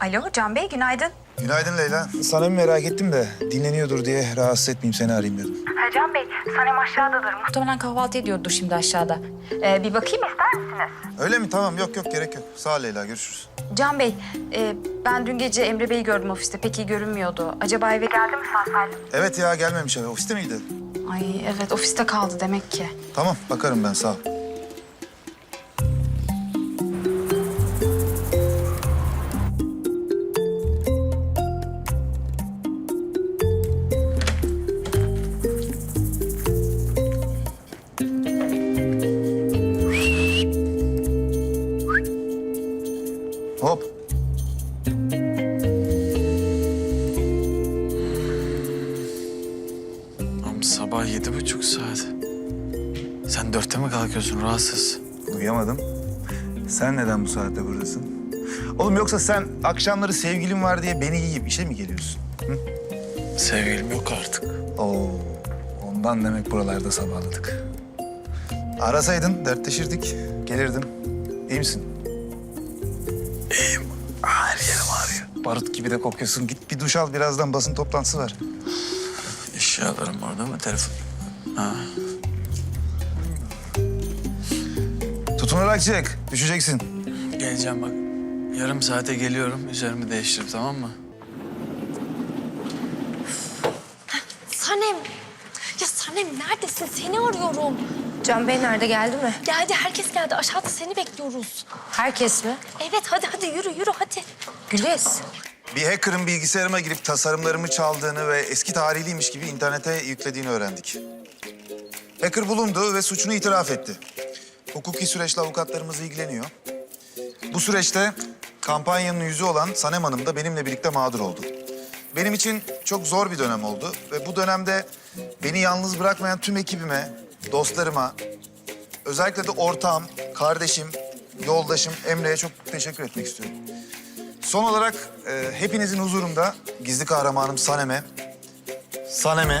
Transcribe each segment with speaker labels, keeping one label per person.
Speaker 1: Alo Can Bey, günaydın.
Speaker 2: Günaydın Leyla. Sana merak ettim de dinleniyordur diye rahatsız etmeyeyim seni arayayım dedim.
Speaker 1: Can Bey, Sanem aşağıdadır. Muhtemelen kahvaltı ediyordur şimdi aşağıda. Bir bakayım ister misiniz?
Speaker 2: Öyle mi? Tamam yok gerek yok. Sağ ol Leyla, görüşürüz.
Speaker 1: Can Bey, ben dün gece Emre Bey'i gördüm ofiste. Pek iyi görünmüyordu. Acaba eve geldi mi sağ salim?
Speaker 2: Evet ya, gelmemiş eve. Ofiste miydi?
Speaker 1: Ay evet, ofiste kaldı demek ki.
Speaker 2: Tamam, bakarım ben, sağ ol. Hop.
Speaker 3: Ama sabah 7:30 saat. Sen 4'te mi kalkıyorsun rahatsız?
Speaker 2: Uyuyamadım. Sen neden bu saatte buradasın? Oğlum yoksa sen akşamları sevgilin var diye beni yiyip işe mi geliyorsun?
Speaker 3: Sevgilim yok artık.
Speaker 2: Oo, ondan demek buralarda sabahladık. Arasaydın, dertleşirdik, gelirdim. İyi misin?
Speaker 3: İyiyim. Her yerim ağrıyor.
Speaker 2: Barut gibi de kokuyorsun. Git bir duş al, birazdan basın toplantısı var.
Speaker 3: Eşyalarım orada mı? Telefon. Ha.
Speaker 2: Tutunarak çık, düşeceksin.
Speaker 3: Geleceğim bak. Yarım saate geliyorum. Üzerimi değiştirip tamam mı?
Speaker 4: Sanem. Ya Sanem neredesin? Seni arıyorum.
Speaker 5: Can Bey nerede, geldi mi?
Speaker 4: Geldi, herkes geldi. Aşağıda seni bekliyoruz.
Speaker 5: Herkes mi?
Speaker 4: Evet, hadi yürü hadi.
Speaker 5: Güliz.
Speaker 2: Bir hacker'ın bilgisayarıma girip tasarımlarımı çaldığını ve eski tarihliymiş gibi internete yüklediğini öğrendik. Hacker bulundu ve suçunu itiraf etti. Hukuki süreçle avukatlarımız ilgileniyor. Bu süreçte kampanyanın yüzü olan Sanem Hanım da benimle birlikte mağdur oldu. Benim için çok zor bir dönem oldu ve bu dönemde beni yalnız bırakmayan tüm ekibime, dostlarıma, özellikle de ortağım, kardeşim, yoldaşım Emre'ye çok teşekkür etmek istiyorum. Son olarak hepinizin huzurunda gizli kahramanım Sanem'e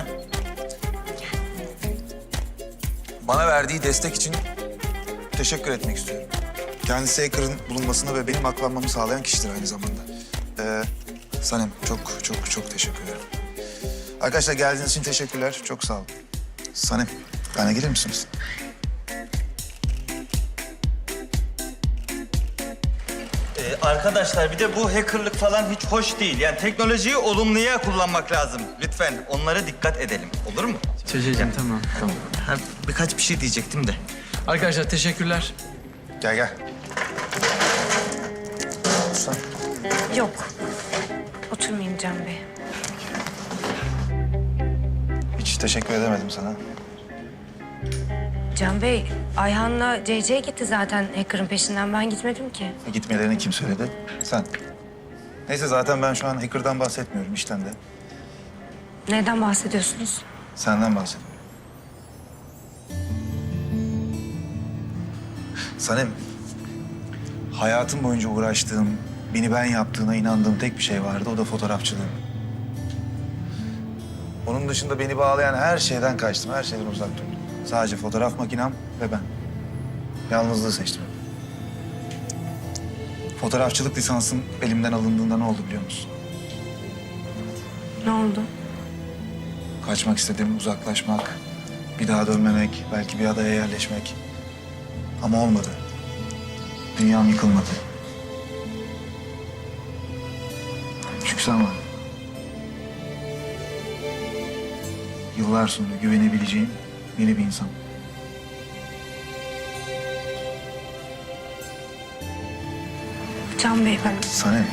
Speaker 2: bana verdiği destek için teşekkür etmek istiyorum. Kendisi hacker'ın bulunmasını ve benim aklanmamı sağlayan kişidir aynı zamanda. Sanem çok teşekkür ederim. Arkadaşlar geldiğiniz için teşekkürler. Çok sağ olun. Sanem, bana gelir misiniz?
Speaker 6: Arkadaşlar bir de bu hackerlık falan hiç hoş değil. Yani teknolojiyi olumluya kullanmak lazım. Lütfen onlara dikkat edelim. Olur mu?
Speaker 3: Çocuğum tamam.
Speaker 6: Ha, birkaç bir şey diyecektim de.
Speaker 3: Arkadaşlar teşekkürler.
Speaker 2: Gel. Otursan.
Speaker 5: Yok. Oturmayayım Can Bey.
Speaker 2: Hiç teşekkür edemedim sana.
Speaker 5: Can Bey, Ayhan'la CC gitti zaten hacker'ın peşinden. Ben gitmedim ki.
Speaker 2: Gitmelerini kim söyledi? Sen. Neyse zaten ben şu an hacker'dan bahsetmiyorum, işten de.
Speaker 5: Neden bahsediyorsunuz?
Speaker 2: Senden bahsediyorum. Sanem, hayatım boyunca uğraştığım, beni ben yaptığına inandığım tek bir şey vardı. O da fotoğrafçılığım. Onun dışında beni bağlayan her şeyden kaçtım, her şeyden uzak durdum. Sadece fotoğraf makinem ve ben. Yalnızlığı seçtim. Fotoğrafçılık lisansım elimden alındığında ne oldu biliyor musun?
Speaker 5: Ne oldu?
Speaker 2: Kaçmak istedim, uzaklaşmak, bir daha dönmemek, belki bir adaya yerleşmek. Ama olmadı. Dünyam yıkılmadı. Çünkü sen vardın. Yıllar sonra güvenebileceğim yeni bir insan.
Speaker 5: Can Bey, ben...
Speaker 2: Sanem.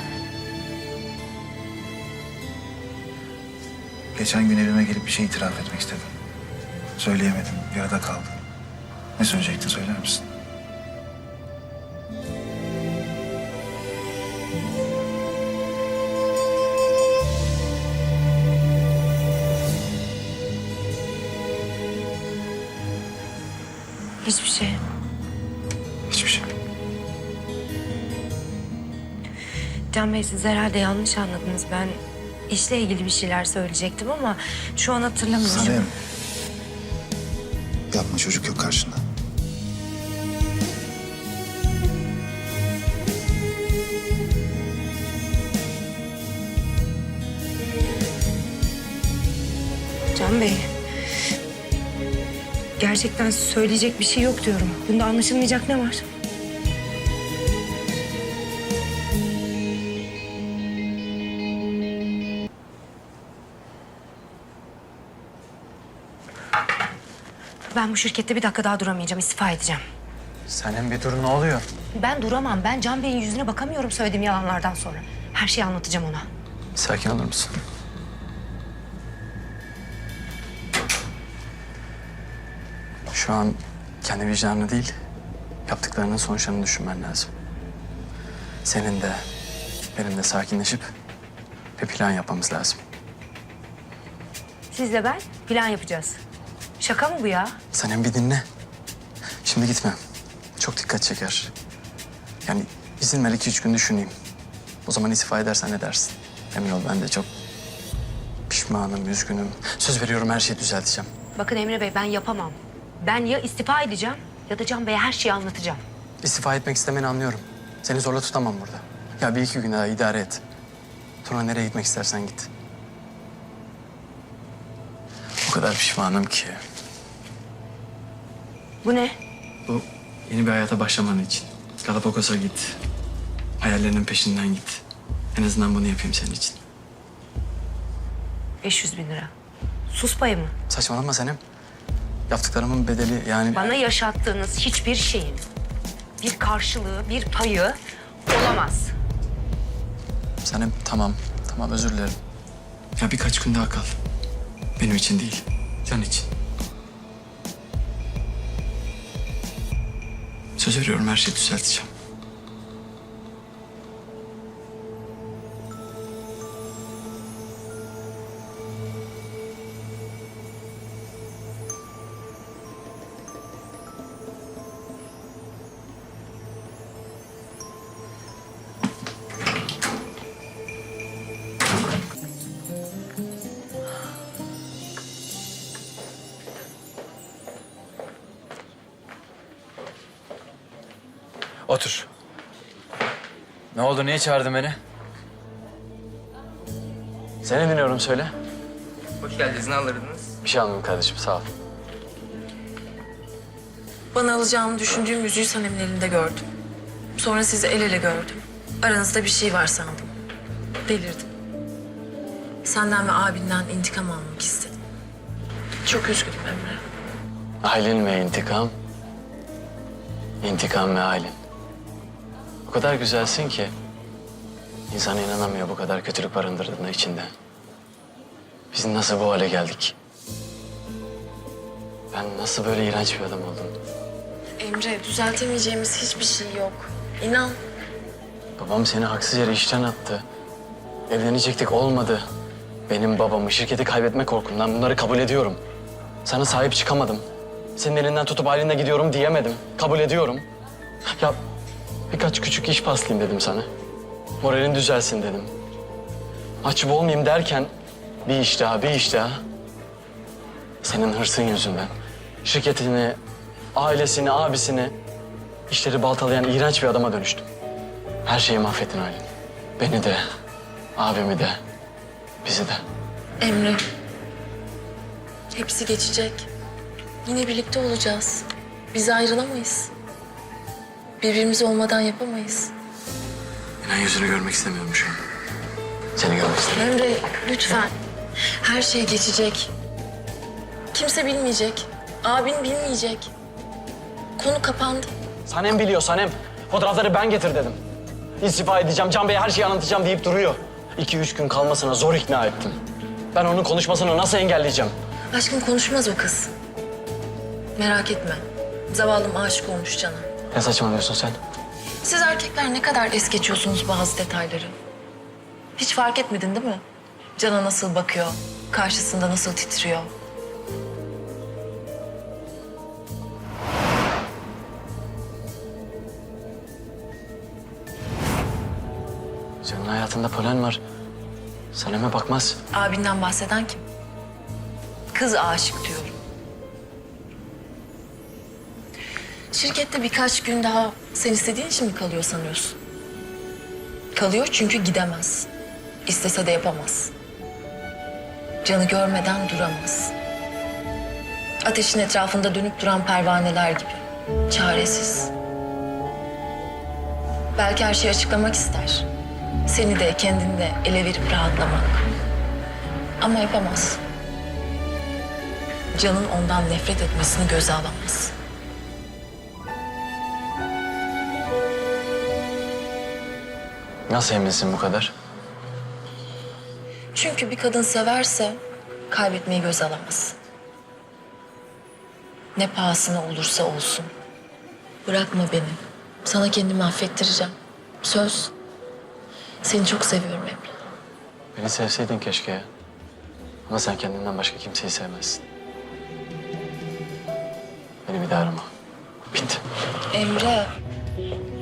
Speaker 2: Geçen gün evime gelip bir şey itiraf etmek istedim. Söyleyemedim, yarıda kaldı. Ne söyleyecektin, söyler misin?
Speaker 5: Hiçbir şey.
Speaker 2: Hiçbir şey.
Speaker 5: Can Bey, siz herhalde yanlış anladınız. Ben işle ilgili bir şeyler söyleyecektim ama şu an hatırlamıyorum.
Speaker 2: Sanem. Yapma, çocuk yok karşında.
Speaker 5: Can Bey. Gerçekten söyleyecek bir şey yok diyorum. Bunda anlaşılmayacak ne var? Ben bu şirkette bir dakika daha duramayacağım. İstifa edeceğim.
Speaker 3: Senin bir dur, ne oluyor?
Speaker 5: Ben duramam. Ben Can Bey'in yüzüne bakamıyorum söylediğim yalanlardan sonra. Her şeyi anlatacağım ona.
Speaker 3: Sakin olur musun? Şu an kendi vicdanını değil, yaptıklarının sonuçlarını düşünmen lazım. Senin de, benim de sakinleşip bir plan yapmamız lazım.
Speaker 5: Sizle ben plan yapacağız. Şaka mı bu ya?
Speaker 3: Sen hem bir dinle. Şimdi gitme. Çok dikkat çeker. Yani izin ver 2-3 gün düşüneyim. O zaman istifa edersen ne dersin? Emin ol ben de çok pişmanım, üzgünüm. Söz veriyorum her şeyi düzelteceğim.
Speaker 5: Bakın Emre Bey, ben yapamam. Ben ya istifa edeceğim ya da Can Bey'e her şeyi anlatacağım.
Speaker 3: İstifa etmek istemeni anlıyorum. Seni zorla tutamam burada. Ya 1-2 gün daha idare et. Sonra nereye gitmek istersen git. O kadar pişmanım ki.
Speaker 5: Bu ne?
Speaker 3: Bu yeni bir hayata başlaman için. Galapagos'a git. Hayallerinin peşinden git. En azından bunu yapayım senin için.
Speaker 5: 500 bin lira. Sus payı mı?
Speaker 3: Saçmalama Senem. Yaptıklarımın bedeli yani...
Speaker 5: Bana yaşattığınız hiçbir şeyin bir karşılığı, bir payı olamaz.
Speaker 3: Senem tamam, tamam özür dilerim. Ya birkaç gün daha kal. Benim için değil, Can için. Söz veriyorum her şeyi düzelteceğim. Otur. Ne oldu? Niye çağırdın beni? Seni dinliyorum, söyle.
Speaker 7: Hoş geldiniz, ne alırdınız?
Speaker 3: Bir şey almadım kardeşim, sağ ol.
Speaker 8: Bana alacağını düşündüğüm yüzüğü Sanem'in elinde gördüm. Sonra sizi el ele gördüm. Aranızda bir şey var sandım. Delirdim. Senden ve abinden intikam almak istedim. Çok üzgünüm Emre.
Speaker 3: Aylin ve intikam. İntikam ve Aylin. O kadar güzelsin ki... ...insan inanamıyor bu kadar kötülük barındırdığına içinde. Biz nasıl bu hale geldik? Ben nasıl böyle iğrenç bir adam oldum?
Speaker 8: Emre, düzeltemeyeceğimiz hiçbir şey yok. İnan.
Speaker 3: Babam seni haksız yere işten attı. Evlenecektik, olmadı. Benim babamı şirketi kaybetme korkumdan bunları kabul ediyorum. Sana sahip çıkamadım. Senin elinden tutup Aylin'le gidiyorum diyemedim. Kabul ediyorum. Ya birkaç küçük iş paslayayım dedim sana. Moralin düzelsin dedim. Mahcup olmayayım derken bir iş daha, bir iş daha. Senin hırsın yüzünden. Şirketini, ailesini, abisini, işleri baltalayan iğrenç bir adama dönüştüm. Her şeyi mahvettin Aylin. Beni de, abimi de, bizi de.
Speaker 8: Emre. Hepsi geçecek. Yine birlikte olacağız. Biz ayrılamayız. Birbirimiz olmadan yapamayız.
Speaker 3: Ben yüzünü görmek istemiyorum şu an. Seni görmek istemiyorum.
Speaker 8: Emre, lütfen. Her şey geçecek. Kimse bilmeyecek. Abin bilmeyecek. Konu kapandı.
Speaker 3: Sanem biliyor, Sanem. Fotoğrafları ben getir dedim. İstifa edeceğim, Can Bey'e her şeyi anlatacağım deyip duruyor. 2-3 gün kalmasına zor ikna ettim. Ben onun konuşmasını nasıl engelleyeceğim?
Speaker 8: Aşkım konuşmaz o kız. Merak etme. Zavallım aşık olmuş Can'a.
Speaker 3: Ne saçmalıyorsun sen?
Speaker 8: Siz erkekler ne kadar es geçiyorsunuz bazı detayları. Hiç fark etmedin değil mi? Can'a nasıl bakıyor, karşısında nasıl titriyor.
Speaker 3: Senin hayatında polen var. Sanem'e bakmaz.
Speaker 8: Abinden bahseden kim? Kız aşık diyorum. Şirkette birkaç gün daha sen istediğin için mi kalıyor sanıyorsun? Kalıyor çünkü gidemez. İstese de yapamaz. Can'ı görmeden duramaz. Ateşin etrafında dönüp duran pervaneler gibi. Çaresiz. Belki her şeyi açıklamak ister. Seni de kendini de ele verip rahatlamak. Ama yapamaz. Can'ın ondan nefret etmesini göze alamaz.
Speaker 3: Nasıl eminsin bu kadar?
Speaker 8: Çünkü bir kadın severse kaybetmeyi göze alamaz. Ne pahasına olursa olsun. Bırakma beni. Sana kendimi affettireceğim. Söz. Seni çok seviyorum Emre.
Speaker 3: Beni sevseydin keşke ya. Ama sen kendinden başka kimseyi sevmezsin. Beni bir daha arama. Bitti.
Speaker 8: Emre.